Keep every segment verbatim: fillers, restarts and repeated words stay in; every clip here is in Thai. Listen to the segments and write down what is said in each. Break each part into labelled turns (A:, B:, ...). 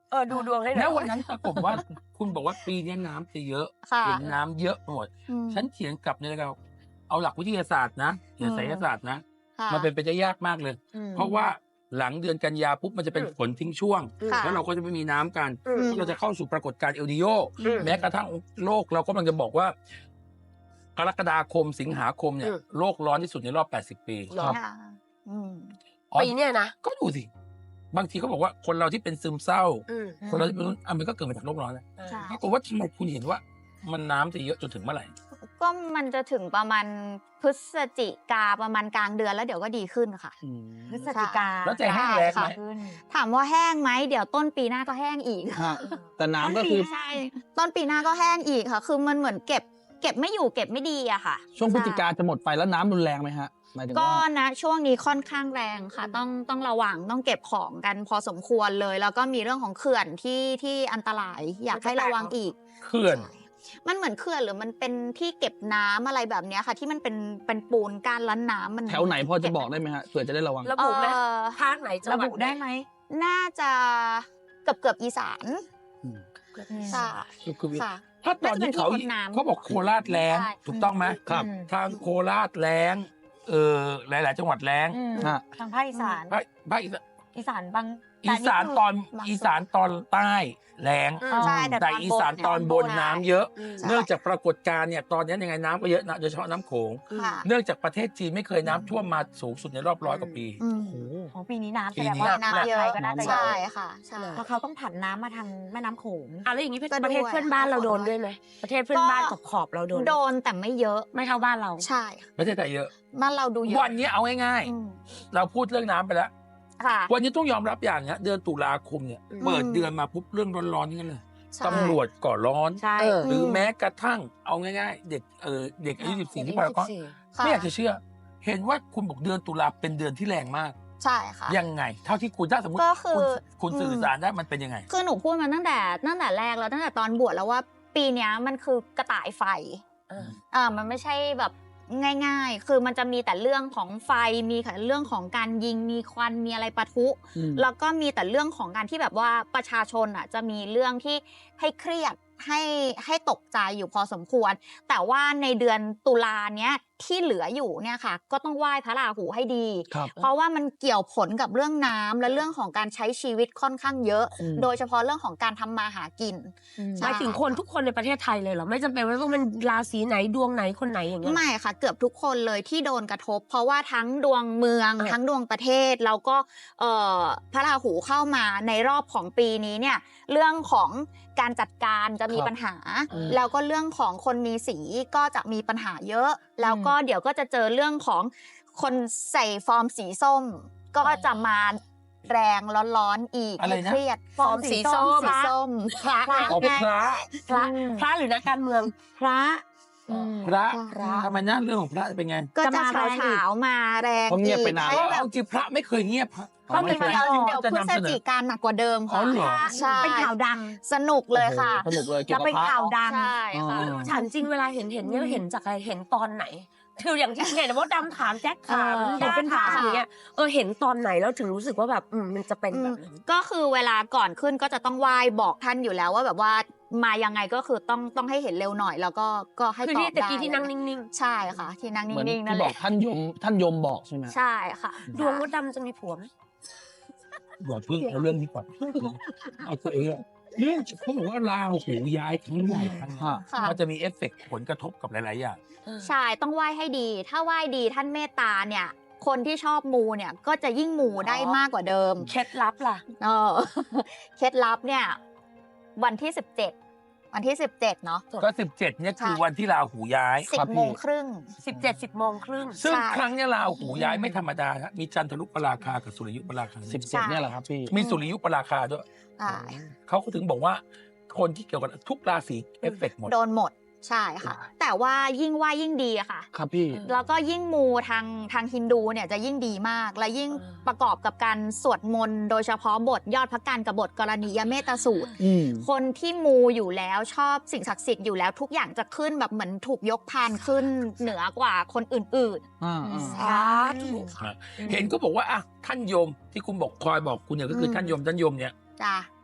A: เออดูดวงให้หน่อย
B: แล้ววันนั้นปรากฏว่า คุณบอกว่าปีนี้น้ำจะเยอะ
C: ค่ะ
B: เห็นน้ำเยอะหมด
C: อืม
B: ฉันเถียงกลับในรายการเอาหลักวิทยาศาสตร์นะอย่าไสยศาสตร์นะ
C: ค่ะ
B: มันเป็นไปได้ยากมากเลย
A: อืม
B: เพราะว่าหลังเดือนกันยาปุ๊บมันจะเป็น
A: อืม
B: ฝนทิ้งช่วง
C: ค่ะ
B: แล้วเราก็จะไม่มีน้ำกัน
A: อืม
B: เราจะเข้าสู่ปรากฏการณ์เอลนิโย
A: อืม
B: แม้กระทั่งโลกเราก็กำลังจะบอกว่ากรกฎาคมสิงหาคมเนี่ย
A: อืม
B: โลกร้อนที่สุดในรอบแปดสิบปี
A: เหรอ
C: ค่ะอืม
B: อ๋อ
A: ปีเนี้ยนะ
B: ก็ดูสิบางทีเขาบอกว่าคนเราที่เป็นซึมเศร้า
A: อืม
B: คนเราที่เป็นอ่ะมันก็เกิดมาจากโลกร้อนแหละ
C: ใช่
B: ปรากฏว่าทำไมคุณเห็นว่า มันน้ำจะเยอะจนถึงเมื่อไหร่
C: ก็มันจะถึงประมาณพฤศจิกาประมาณกลางเดือนแล้วเดี๋ยวก็ดีขึ้นค่ะ
D: พฤศจิกา
B: แล้วจะแห้งแล้งไหม
D: ขึ้น
C: ถามว่าแห้งไหมเดี๋ยวต้นปีหน้าก็แห้งอีก
E: ฮะแต่น้ำก็คือ
C: ใช่ต้นปีหน้าก็แห้งอีกค่ะ คือมันเหมือนเก็บ เก็บไม่อยู่เก็บไม่ดีอะค่ะ
E: ช่วงพฤศจิกาจะหมดไปแล้วน้ำรุนแรงไหมฮะหมายถึง
C: ก็
E: ว่า
C: นะช่วงนี้ค่อนข้างแรงค่ะ ต้องต้องระวังต้องเก็บของกันพอสมควรเลย แล้วก็มีเรื่องของเขื่อนที่ที่อันตราย อยากให้ระวังอีก
B: เขื่อน
C: ใช่มันเหมือนเขื่อนหรือมันเป็นที่เก็บน้ำอะไรแบบเนี้ยค่ะ ที่มันเป็นเป็นปูนก้านล้นน้ำมัน
E: แถวไหนพอจะบอกได้ไหมฮะเผื่อจะได้ระวัง
A: ระบุไหม
C: เอ่อ
A: ภาคไหนจัง
D: ระ
A: หวัด
D: บุได้ไหม
C: น่าจะเกือบเกือบอีสาน
E: อืม
C: ใช่
B: ก็คือ
C: ค่ะ
B: ถ้าตอนที่เขา
C: น่าจะเป็นที่ต้นน้ำ
B: เขาบอกโคราชแล้ง
C: ใช่
B: ถูกต้องไหม
E: ครับ
D: อืม
B: ทางโคราชแล้งเออหลาย ๆ จังหวัดแล้ง
D: อืม
E: ฮะ
D: ทางภาคอีสาน
B: ภาคภาคอีสาน
D: อีสานบาง
B: อีสานตอน
C: บางส่วน
B: อีสานตอนใต้แล้ง
A: อืม
C: ใช่
B: แต่
C: แต่
B: อีสานตอนบนน้ำเยอะ
A: อืม
C: ใช่
B: เนื่องจากปรากฏการณ์เนี่ยตอนนี้ยังไงน้ำก็เยอะนะโดยเฉพาะน้ำโขง
C: ค่ะ
B: เนื่องจากประเทศจีนไม่เคยน้ำท่วมมาสูงสุดในรอบร้อยกว่าปี
C: อืม
E: โอ้โห
D: ของปีนี้น้ำแส
B: ปี
D: ดง
B: นี้
D: ว่า
C: น้ำเยอะ
D: ไทยก็น่าจะเย
C: ใช่
D: อะ
C: ค่ะใช่
D: เพราะเขาต้องผันน้ำมาทางแม่น้ำโขง
A: อ่ะแล้วอย่างนี้
C: ก็
A: ประเทศ
C: ด้วย
A: เพื่อนบ้านเราโดนด้วยไหมประเทศเพื่อนบ้านขอบขอบๆเราโดน
C: โดนแต่ไม่เยอะ
A: ไม่เท่าบ้านเรา
C: ใช่
B: ประเทศไทยเยอะ
C: บ้านเราดูเยอะ
B: วันนี้เอาง่าย
C: อืม
B: ๆ เราพูดเรื่องน้ำไปแล้ว
C: ค่ะ
B: วันนี้ต้องยอมรับอย่างเนี้ยเดือนตุลาคมเนี่ย
A: อืม
B: เปิดเดือนมาปุ๊บเรื่องร้อนๆนี่กันเลย
C: ใช่
B: ตำรวจก่อร้อน
A: ใช่
D: เออ
B: หรือแม้กระทั่งเอาง่ายๆ เด็กเออเด็กอายุสิบสี่ที่พารากอน
C: ค่ะ
B: ไม่อยากจะเชื่อ เห็นว่าคุณบอกเดือนตุลาเป็นเดือนที่แรงมาก
C: ใช่ค่ะ
B: ยังไง เท่าที่คุณถ้าสมมติ
C: ก็คือ
B: คุณคุณ
C: อืม
B: สื่อสารได้มันเป็นยังไง
C: คือหนูพูดมาตั้งแต่ตั้งแต่แรกแล้วตั้งแต่ตอนบวชแล้วว่าปีเนี้ยมันคือกระต่ายไฟ
A: เออ
C: อ่ามันไม่ใช่แบบง่าย ๆ คือมันจะมีแต่เรื่องของไฟมีแต่เรื่องของการยิงมีควันมีอะไรปะทุ
E: อืม
C: แล้วก็มีแต่เรื่องของการที่แบบว่าประชาชนอ่ะจะมีเรื่องที่ให้เครียดให้ให้ตกใจอยู่พอสมควร แต่ว่าในเดือนตุลาเนี้ยที่เหลืออยู่เนี่ยค่ะ ก็ต้องไหว้พระราหูให้ดี
E: ครับ
C: เพราะว่ามันเกี่ยวผลกับเรื่องน้ำและเรื่องของการใช้ชีวิตค่อนข้างเยอะ
E: อืม
C: โดยเฉพาะเรื่องของการทำมาหากิน
A: หมายถึงคนทุกคนในประเทศไทยเลยเหรอไม่จำเป็นว่าต้องเป็นราศีไหนดวงไหนคนไหนอย่างเงี้ย
C: ไม่ค่ะเกือบทุกคนเลยที่โดนกระทบ เพราะว่าทั้งดวงเมือง
A: เออ
C: ทั้งดวงประเทศแล้วก็เอ่อพระราหูเข้ามาในรอบของปีนี้เนี่ยเรื่องของการจัดการจะมี
E: ครับ
C: ปัญหา
E: อืม
C: แล้วก็เรื่องของคนมีสีก็จะมีปัญหาเยอะ แล้วก็เดี๋ยวก็จะเจอเรื่องของคนใส่ฟอร์มสีส้ม ก็จะมาแรงร้อนๆอีก
B: อะไรนะ
C: เครียด
A: ฟอร์มสีส้ม
C: สีส้ม
A: พระ
C: พระ
B: ออกพระ
A: พระพระหรือนักการเมือง
D: พระ
B: พระ
C: พระ
B: ทำไมนะเรื่องของพระเป็นไง
C: ก็
D: จะ
C: จะ
D: มาแรงอีก
C: เฉาๆมาแรง
E: เพราะเงียบไปนาน
C: อีก
B: เพ
C: ให้
B: ราะ
C: แบบ
B: เอาจริงพระไม่เคยเงียบพระ
A: เขามี
B: ไม่
A: เวลา
B: จริง
C: เดี๋ยว
B: จะ
C: พฤ
B: นำ
C: ศ
B: เสนอ
C: จิกาหนักกว่าเดิม
B: อ๋
C: ค่ะ
B: อเหรอ
C: ใช่
D: เป็นข่าวดัง
C: สนุกเลยค่ะ
E: สนุกเลยเกี่
D: จะ
E: ยวกับ
D: เป็น
E: พระ
D: ข่าวดัง
C: ใช่ค่ะ
E: อ๋อ
A: ถามจริงเวลาเห็นเห็นเนี่ยเห็นจากอะไรเห็นตอนไหนคืออย่างที่เห็นว่าดำถามแจ็คถาม
D: เออ
A: เห็นเป็นพระ
C: ค่ะ
A: อย่างเงี้ยเออเห็นตอนไหนแล้วถึงรู้สึกว่าแบบอืมมันจะเป็นแบบนั้น
C: ก็คือเวลาก่อนขึ้นก็จะต้องไหว้บอกท่านอยู่แล้วว่าแบบว่ามายังไงก็คือต้องต้องให้เห็นเร็วหน่อย แล้วก็ก็ให้
A: คือ
C: ตอ
A: ที่
C: บ
A: ตะ
C: ได้
A: กี้ที่นั่งนิ่ง
C: ใช่ค่ะ ที่นั่ง
E: เหมือน
C: นิ่งๆนั่
E: ที่
C: นแห
E: บอก
C: ละ
E: ท่านยมท่านยมบอกใช่ไหม
C: ใช่ค่ะ
A: ๆ ดวงมดดำจะมีผัวไหม
B: อย่าเพิ่งเอาเรื่องนี้ก่อนเอาตัวเองอะเรื่องเขาบอกว่าราหูย้ายครั้งใหญ่ครั้ง
E: ฮะ
C: ค่ะ
B: มันจะมีเอฟเฟกต์ผลกระทบกับหลาย ๆ อย่าง
C: ใช่ต้องไหว้ให้ดี ถ้าไหว้ดีท่านเมตตาเนี่ย คนที่ชอบมูเนี่ยก็จะยิ่งมูได้มากกว่าเดิม
A: เคล็ดลับล่ะ
C: เออ เคล็ดลับเนี่ย วันที่สิบเจ็ดวันที่สิบเจ็ดเนาะ
B: ก็สิบเจ็ดเนี่ยคือ
C: ใช่
B: วันที่ราหูย้าย
C: สิบ
E: ครับพี่
C: โมงครึ่ง
A: สิบเจ็ดสิบโมงครึ่ง
B: ซึ่ง
C: ใช่
B: ครั้งเนี้ยราหูย้ายไม่ธรรมดานะมีจันทรุปราคากับสุริยุปราคา
E: สิบเจ็ดเนี่ยแหละครับพี่
B: มีสุริยุปราคาด้วย
C: อ่า
B: เขาก็ถึงบอกว่าคนที่เกี่ยวกับทุกราศีเอฟเฟกต์หมด
C: โดนหมดใช่ค่ะ แต่ว่ายิ่งไหว้ยิ่งดีอะค่ะ
E: ครับพี่
C: แล้วก็ยิ่งมูทางทางฮินดูเนี่ยจะยิ่งดีมาก และยิ่ง
A: อ่า
C: ประกอบกับการสวดมนต์โดยเฉพาะบทยอดพระกันกับบทกรณียเมตสูตร
E: อืม
C: คนที่มูอยู่แล้วชอบสิ่งศักดิ์สิทธิ์อยู่แล้วทุกอย่างจะขึ้นแบบเหมือนถูกยกพานขึ้นเหนือกว่าคนอื่น
E: อ่าอ่า
A: สาธุ
B: เห็นก็บอกว่าอ่ะท่านยมที่คุณบอกคอยบอกคุณเนี่ยก็คืออ
C: ม
B: ท่านยมท่านยมเนี่ย
C: ๆจ้ะ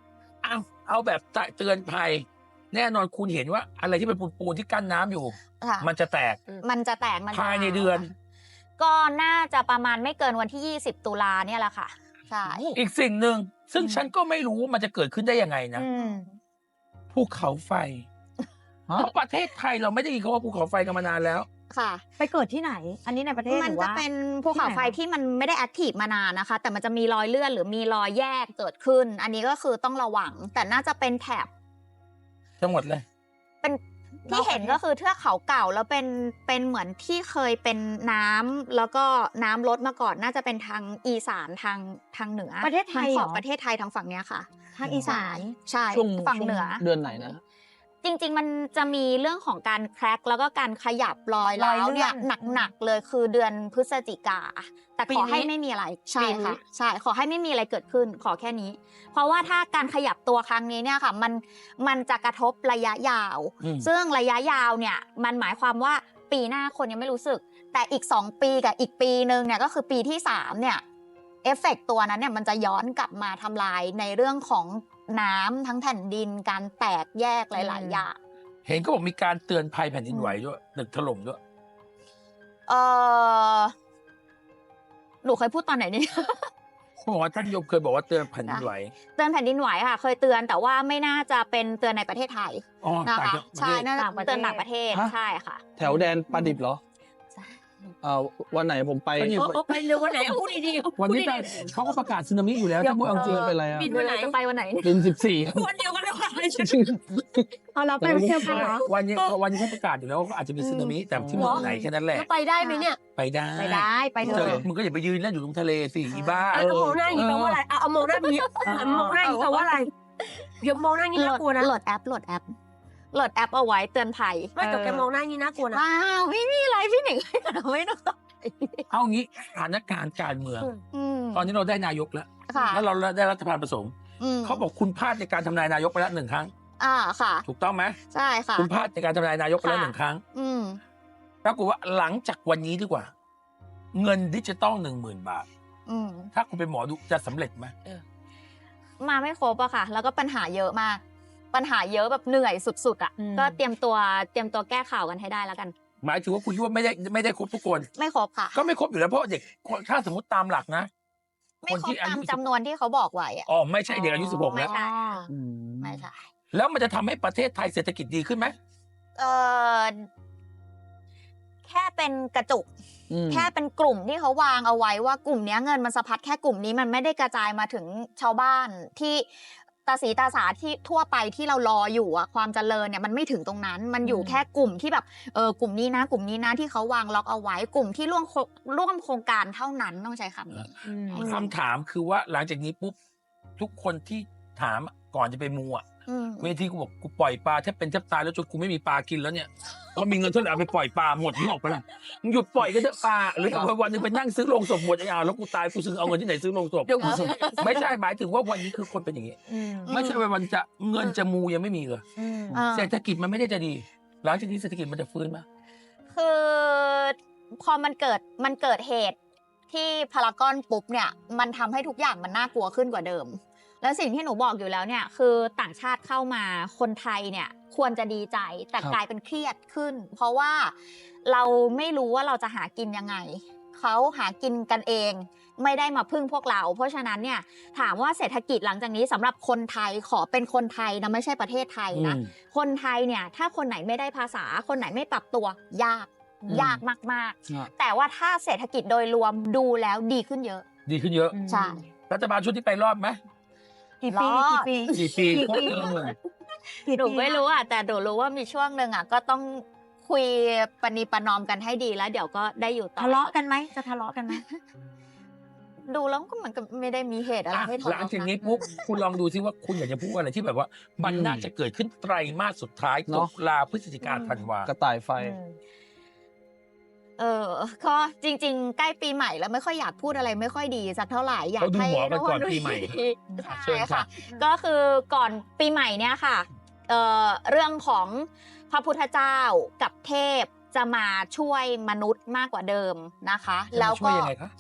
B: เอาเอาแบบเตือนภัยแน่นอนคุณเห็นว่าอะไรที่เป็นปูนๆที่กั้นน้ำอยู่
C: ค่ะ
B: มันจะแตก
C: มันจะแตกมันจะ
B: ภายในเดือน
C: ก็น่าจะประมาณไม่เกินวันที่ยี่สิบตุลาเนี่ยแหละค่ะใช่
B: อีกสิ่งหนึ่งซึ่ง
C: อืม
B: ฉันก็ไม่รู้ว่ามันจะเกิดขึ้นได้ยังไงนะ
C: อืม
B: ภูเขาไฟ
E: ฮะ
B: เพราะประเทศไทยเราไม่ได้ยินคำว่าภูเขาไฟกันมานานแล้ว
C: ค่ะ
D: ไปเกิดที่ไหน อันนี้ในประเทศ
C: มัน
D: หรือ
C: จะ
D: ว่า
C: เป็นภูเขาไฟ
D: ที่ไหน
C: ที่มันไม่ได้แอคทีฟมานานนะคะ แต่มันจะมีรอยเลื่อนหรือมีรอยแยกเกิดขึ้น อันนี้ก็คือต้องระวัง แต่น่าจะเป็นแถบ
B: ทั้งหมดเลย
C: เป็นที่เห็นก็คือเทือกเขาเก่าแล้วเป็นเป็นเหมือนที่เคยเป็นน้ำแล้วก็น้ำลดมาก่อนน่าจะเป็นทางอีสานทางทางเหนือ
D: ประเทศไทย
C: ทางข
D: เหร
C: อบ
D: อ
C: ประเทศไทยทางฝั่งเนี้ยค่ะ
D: ทางอีสาน
C: ใช่
E: ช่วง
C: ฝั่งเหนือ
E: ช่วงเดือนไหนนะ
C: จริง ๆ มันจะมีเรื่องของการแคร็กแล้วก็การขยับรอย
D: รอย
C: ร้าว
D: เลื่
C: เนี่
D: อย น
C: หนักๆเลยคือเดือนพฤศจิกา แต่
A: ปี
C: ขอ
A: นี้
C: ให้ไม่มีอะไรใช่
A: ปีนี้
C: ค่ะใช่ขอให้ไม่มีอะไรเกิดขึ้นขอแค่นี้ เพราะว่าถ้าการขยับตัวครั้งนี้เนี่ยค่ะมันมันจะกระทบระยะยาว
B: อืม
C: ซึ่งระยะยาวเนี่ยมันหมายความว่าปีหน้าคนยังไม่รู้สึก แต่อีกสองปีกับอีกปีนึงเนี่ยก็คือปีที่สามเนี่ยเอฟเฟกต์ตัวนั้นเนี่ยมันจะย้อนกลับมาทำลายในเรื่องของน้ำทั้งแผ่นดินการแตกแยกหลาย ๆ อย่าง
B: เห็นก็บอกมีการเตือนภัยแผ่นดินไหวด้วยตึกถล่มด้วย
C: เออหนูเคยพูดตอนไหนนี่
B: เขาบอกว่าท่านยมเคยบอกว่าเตือนแผ่นดินไหว
C: เตือนแผ่นดินไหวค่ะ เคยเตือนแต่ว่าไม่น่าจะเป็นเตือนในประเทศไทย
B: อ๋อ
C: นะ
B: ต่าง
C: คะ
B: จากประ
C: ใช่
B: เทศ
C: น่าจะ
D: ต่างประเทศ
C: เตือนต่างประเทศ
E: ฮะ
C: ใช่ค่ะ
E: แถวแดนปลาดิบเหรอ
C: ใช่
E: เอ่อวันไหนผมไป
B: ก็นี่
A: โอ้โอ้ไปเร็ววันไหนเอาพูดดีๆ
B: วันนี้
A: พูดดี
B: เขาก็ประกาศสึนามิอยู่แล้วถ้าพูดเอาจริง
E: เป็นไรอะ
A: ๆบิน
C: เว
A: วัน
C: ลา
A: ไหน
C: จะไปวันไหน
E: เป็นสิบสี่
A: วันเดียวกันเลยค่ะ
D: เอาเราไปเที่ยวกันเหรอ
B: วันนี้วันนี้เขาประกาศอยู่แล้วว่าเขาอาจจะมีสึนามิแต่ที่เมืองไหนแค่นั้นแหละ
A: แล้วไปได้ไหมเนี่ย
B: ไปได้
D: ไปได้ไปเถ
B: เจอ
D: อะ
B: มึงก็อย่าไปยืนเล่นอยู่ตรงทะเลสิอีบ้า
A: แล้วมองหน้าอย่างนี้แปลว่าอะไรเอาเอามองหน้าอย่างนี้มองหน้าอย่างนี้แปลว่าอะไรเดี๋ยวมองหน้าอย่างนี้
C: โหล
A: น่า
C: ด
A: กลัวนะ
C: โหลดแอปโหลดแอปโหลดแอปเอาไว้เตือนภัย
A: ไม่แต่แกมองหน้าอย่างนี้น่ากลัวนะ
C: ว้าวไม่มีอะไรพี่หนึ่งไม่ต้อง
B: เอางี้สถานการณ์การเมือง
C: อืม
B: ตอนนี้เราได้นายกแล้ว
C: ค่ะ
B: แล้วเราได้รัฐบาลผสม
C: อืม
B: เขาบอกคุณพลาดในการทำนายนายกไปแล้วหนึ่งครั้ง
C: อ่าค่ะ
B: ถูกต้องไหม
C: ใช่ค่ะ
B: คุณพลาดในการทำนายนายกไปแล้ว
C: ค่ะ
B: หนึ่งครั้ง
C: อืม
B: ปรากฏว่าหลังจากวันนี้ดีกว่า เงินดิจิตอลหนึ่งหมื่นบาท
C: อืม
B: ถ้าคุณเป็นหมอดูจะสำเร็จไหม
C: มาไม่ครบอะค่ะ แล้วก็ปัญหาเยอะมาก ปัญหาเยอะแบบเหนื่อยสุดๆอะ
D: อืม
C: ก็เตรียมตัวเตรียมตัวแก้ข่าวกันให้ได้แล้วกัน
B: หมายถึงว่าคุณคิดว่าไม่ได้ไม่ได้ครบทุกคน
C: ไม่ครบค่ะ
B: ก็ไม่ครบอยู่แล้วเพราะเด็กถ้าสมมติตามหลักนะ
C: ไม่ครบ
B: ที่อา
C: ตาม
B: ยุ
C: จำนวนที่เขาบอกไว้อะ
B: อ๋อไม่ใช่เด็กอายุสิบหก
C: ไม่
B: แล้ว
C: ใช่
E: อืม
C: ไม่ใช่
B: แล้วมันจะทำให้ประเทศไทยเศรษฐกิจดีขึ้นไหม
C: เออแค่เป็นกระจุก
E: อืม
C: แค่เป็นกลุ่มที่เขาวางเอาไว้ว่ากลุ่มเนี้ยเงินมันสะพัดแค่กลุ่มนี้มันไม่ได้กระจายมาถึงชาวบ้านที่ตาสีตาสาที่ทั่วไปที่เรารออยู่อะความเจริญเนี่ยมันไม่ถึงตรงนั้น มันอยู่
D: อืม
C: แค่กลุ่มที่แบบเออกลุ่มนี้นะ กลุ่มนี้นะที่เขาวางล็อกเอาไว้ กลุ่มที่ร่วมโคร่วมโครงการเท่านั้นต้องใช้คำนี้
D: อืม
B: คำถามคือว่าหลังจากนี้ปุ๊บทุกคนที่ถามก่อนจะไปมูอ่ะ
C: อืม
B: เวทีกูบอกกูปล่อยปลาแทบเป็นแทบตายแล้วจนกูไม่มีปลากินแล้วเนี่ยเพราะมีเงินเท่าไหร่เอาไปปล่อยปลาหมดนี่ออกไปละมึงหยุดปล่อยก็เถอะปลาหรือเอาวันหนึงไปนั่งซื้อโรงศพหมดไอ้อ่าแล้วกูตายกูซื้อเอาเงินที่ไหนซื้อโรงศพ
A: เดี๋ยวกู
B: ไม่ใช่หมายถึงว่าวันนี้คือคนเป็นอย่างนี้
D: อืม
B: ไม่ใช่ว่าวันจะเงินจะมูยังไม่มีเลย
D: อืม
C: อ่า
B: เศรษฐกิจมันไม่ได้จะดี หลังจากนี้เศรษฐกิจมันจะฟื้นไหม
C: คือพอมันเกิดมันเกิดเหตุที่พารากอนปุ๊บเนี่ยมันทำให้ทุกอย่างมันน่ากลัวขึ้นกว่าเดิม แล้วสิ่งที่หนูบอกอยู่แล้วเนี่ยคือต่างชาติเข้ามาคนไทยเนี่ยควรจะดีใจแต่
E: ครับ
C: กลายเป็นเครียดขึ้น เพราะว่าเราไม่รู้ว่าเราจะหากินยังไงเขาหากินกันเอง ไม่ได้มาพึ่งพวกเรา เพราะฉะนั้นเนี่ยถามว่าเศรษฐกิจหลังจากนี้สำหรับคนไทยขอเป็นคนไทยนะไม่ใช่ประเทศไทยนะ
B: อืม
C: คนไทยเนี่ยถ้าคนไหนไม่ได้ภาษา คนไหนไม่ปรับตัวยาก
D: อืม
C: ยากมาก
E: อ่ะ
C: ๆ แต่ว่าถ้าเศรษฐกิจโดยรวมดูแล้วดีขึ้นเยอะ
B: ดีขึ้นเยอะ
C: ใช่
B: รัฐบาลชุดที่ไปรอดไหม
D: กี่ปี
C: รอด
D: กี่ปี
B: กี่ปี
D: กี่ปี
B: เออ
D: กี่
C: หนู
D: ปี
C: ไม่รู้อ่ะแต่หนูรู้ว่ามีช่วงหนึ่งอ่ะก็ต้องคุยปณีประนอมกันให้ดีแล้ว เดี๋ยวก็ได้อยู่ต่อ
D: ทะเลาะกันไหมจะทะเลาะกันไหม
C: ดูแล้วก็เหมือนกับไม่ได้มีเหตุอะไร
B: อ่ะ
C: ให้ทะ
B: หลัง
C: เลาะ
B: จาก
C: กัน
B: นี้ปุ๊บคุณลองดูซิว่าคุณอยากจะพูดอะไรที่แบบว่า มัน
E: อืม
B: น่าจะเกิดขึ้นไตรมาสสุดท้าย
E: เน
B: ตุ
E: อะ
B: ลาพฤศจิกาธันวาก
E: ระต่ายไฟ
D: อืม
C: เออก็จริง ๆ ใกล้ปีใหม่แล้วไม่ค่อยอยากพูดอะไรไม่ค่อยดีสักเท่าไหร่อยาก
B: เขาดู
C: ให้
B: หมอกัน
C: ทุ
B: ก่อน
C: ดู
B: ปีใหม่
C: ดี
B: อ่ะ
C: ใช่
B: เชิญค่ะ
C: ค่ะ ก็คือก่อนปีใหม่เนี่ยค่ะเอ่อเรื่องของพระพุทธเจ้ากับเทพจะมาช่วยมนุษย์มากกว่าเดิมนะคะ แล้ว
B: ช่วย
C: ก็
B: ยังไงคะ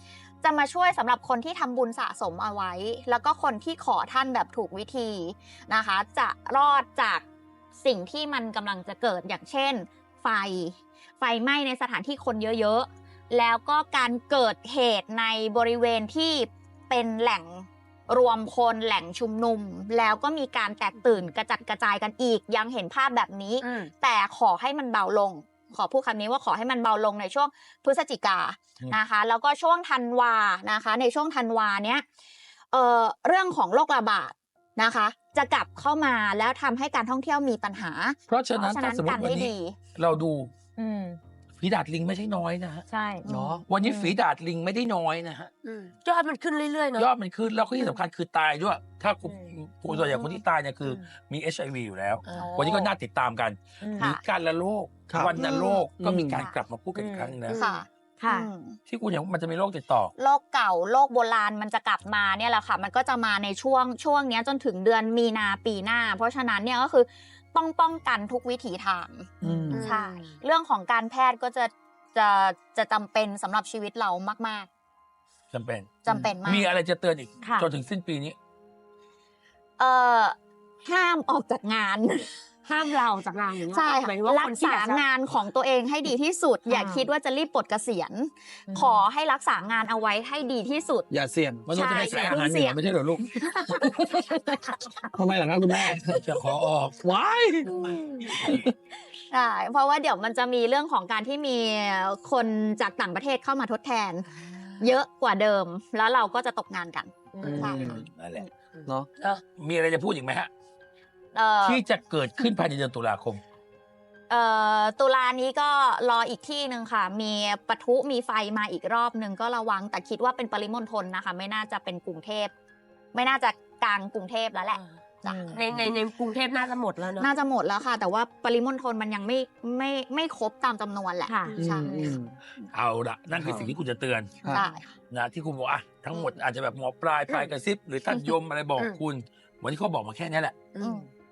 C: จะมาช่วยสำหรับคนที่ทำบุญสะสมเอาไว้ แล้วก็คนที่ขอท่านแบบถูกวิธีนะคะ จะรอดจากสิ่งที่มันกำลังจะเกิดอย่างเช่น ไฟ ไฟไหม้ในสถานที่คนเยอะๆ แล้วก็การเกิดเหตุในบริเวณที่เป็นแหล่งรวมคนแหล่งชุมนุม แล้วก็มีการแตกตื่นกระจัดกระจายกันอีก ยังเห็นภาพแบบนี้
A: อืม
C: แต่ขอให้มันเบาลง ขอพูดคำนี้ว่าขอให้มันเบาลงในช่วงพฤศจิกา
B: อืม
C: นะคะ แล้วก็ช่วงธันวานะคะ ในช่วงธันวาเนี้ยเอ่อเรื่องของโรคระบาดนะคะ จะกลับเข้ามาแล้วทำให้การท่องเที่ยวมีปัญหา
B: เพราะฉะนั้นถ้าสมม
C: กั
B: ติ
C: น
B: วัน
C: ให้
B: นี้
C: ดี
B: เราดู
D: อืม
B: ฝีดาดลิงไม่ใช่น้อยนะฮะ
D: ใช่
E: เนาะ
B: วันนี้
C: อืม
B: ฝีดาดลิงไม่ได้น้อยนะฮะ
A: อืมยอดมันขึ้นเรื่อยๆเนาะ
B: ยอดมันขึ้นแล้วก็ที่สำคัญคือตายด้วย ถ้าคุณ
D: อืม
B: ผู้ส่วนใหญ่คนที่ตายเนี่ยคืออ
A: ม
B: มี เอช ไอ วี อยู่แล้ว
A: เออ
B: วันนี้ก็น่าติดตามกัน
D: อืม
B: มี
C: ค่ะ
B: การละโรค
E: ครับ
B: วันนโรคก็มี
E: อืม
B: การกลับมาพูดกันอีกครั้งหนึงแล้ว
C: ค่ะ
D: ค่ะ
C: อืม
B: ที่คุณเห็นว่ามันจะมีโรคติดต่อ
C: โรคเก่าโรคโบราณมันจะกลับมาเนี่ยแหละค่ะ มันก็จะมาในช่วงช่วงเนี้ยจนถึงเดือนมีนาปีหน้า เพราะฉะนั้นเนี่ยก็คือต้องป้องกันทุกวิถีทาง
E: อืม
C: ใช่ เรื่องของการแพทย์ก็จะจะจะจำเป็นสำหรับชีวิตเรามาก
B: จำเป็น
C: ๆจำเป็นมาก
B: มีอะไรจะเตือนอีก
D: ค่ะ
B: จนถึงสิ้นปีนี้
C: เอ่อห้ามออกจากงาน
A: ห้ามเราจากงานอย่างเงี้ย
C: ใช่
A: หมา
C: ค่ะ
A: ยถึงว่า
C: รั
A: คน
C: ก
A: ที่
C: ษา
A: แบบจะ
C: งานของตัวเองให้ดีที่สุด อย่า
D: อ่า
C: คิดว่าจะรีบปลดเกษียณ
D: อืม
C: ขอให้รักษางานเอาไว้ให้ดีที่สุด
E: อย่าเสี่ยง
B: มันต้องจะไป
C: ใช่
B: ขายอาหารเหนื
C: เสี่ย
B: อง ไม่ใช่เหรอลูก
E: ทำไมล่ะครับคุณแม่
B: จะขอออก
E: ว้าย
C: ใช่เพราะว่าเดี๋ยวมันจะมีเรื่องของการที่มีคนจากต่างประเทศเข้ามาทดแทน เยอะกว่าเดิม แล้วเราก็จะตกงานกัน
A: อื
E: อื
A: ม
E: ม
C: ใช่
B: นั่นแหละ
E: เนาะ
B: มีอะไรจะพูดอีกไหมฮะ
C: เอ่อ
B: ที่จะเกิดขึ้นภายในเดือนตุลาคม
C: เอ่อตุลานี้ก็รออีกที่หนึ่งค่ะ มีปะทุมีไฟมาอีกรอบหนึ่งก็ระวัง แต่คิดว่าเป็นปริมณฑลนะคะ ไม่น่าจะเป็นกรุงเทพ ไม่น่าจะกลางกรุงเทพแล้วแหละ จ้ะ
A: ในในในกรุงเทพน่าจะหมดแล้วเนาะ
C: น่าจะหมดแล้วค่ะ แต่ว่าปริมณฑลมันยังไม่ไม่ไม่ครบตามจำนวนแหละ
D: ค่ะ
C: ใช่
E: อืม
B: เอาละนั่นคือสิ่งที่คุณจะเตือน
E: ครับ
C: ใช่
B: นะที่คุณบอกอ่ะทั้งหมดอาจจะแบบหมอปลายปลายกระซิบ หรือท่านยมอะไรบอก
A: อืม
B: คุณ วันนี้เขาบอกมาแค่นี้แหละ
A: อืม